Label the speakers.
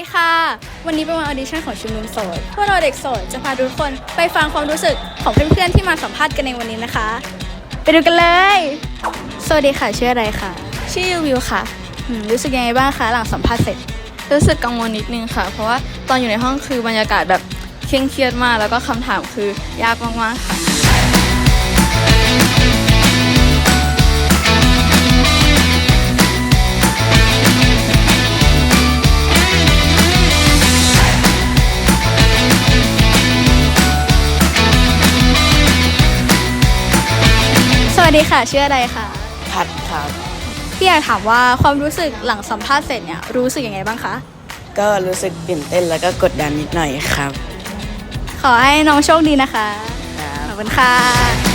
Speaker 1: ค่ะ วันนี้เป็นวันออดิชั่นของชุมนุมโสดพวกเราเด็กโสดจะพาทุกคนไปฟังความรู้สึกของเพื่อนๆที่มาสัมภาษณ์กันในวันนี้นะคะ ไปดูกันเลย สวัสดีค่ะชื่ออะไรคะ
Speaker 2: ชื่อวิวค่ะ
Speaker 1: รู้สึกยังไงบ้างคะหลังสัมภาษณ์เสร็จ
Speaker 2: รู้สึกกังวลนิดนึงค่ะ เพราะว่าตอนอยู่ในห้องคือบรรยากาศแบบเคร่งเครียดมากแล้วก็คำถามคือยากมากๆค่ะ
Speaker 1: สวัสดีค่ะชื่ออะไรคะ
Speaker 3: พัดครับ
Speaker 1: พี่อยากถามว่าความรู้สึกหลังสัมภาษณ์เสร็จเนี่ยรู้สึกยังไงบ้างคะ
Speaker 3: ก็รู้สึกตื่นเต้นแล้วก็กดดันนิดหน่อยครับ
Speaker 1: ขอให้น้องโชคดีนะคะ
Speaker 3: ครับ
Speaker 1: ขอบคุณค่ะ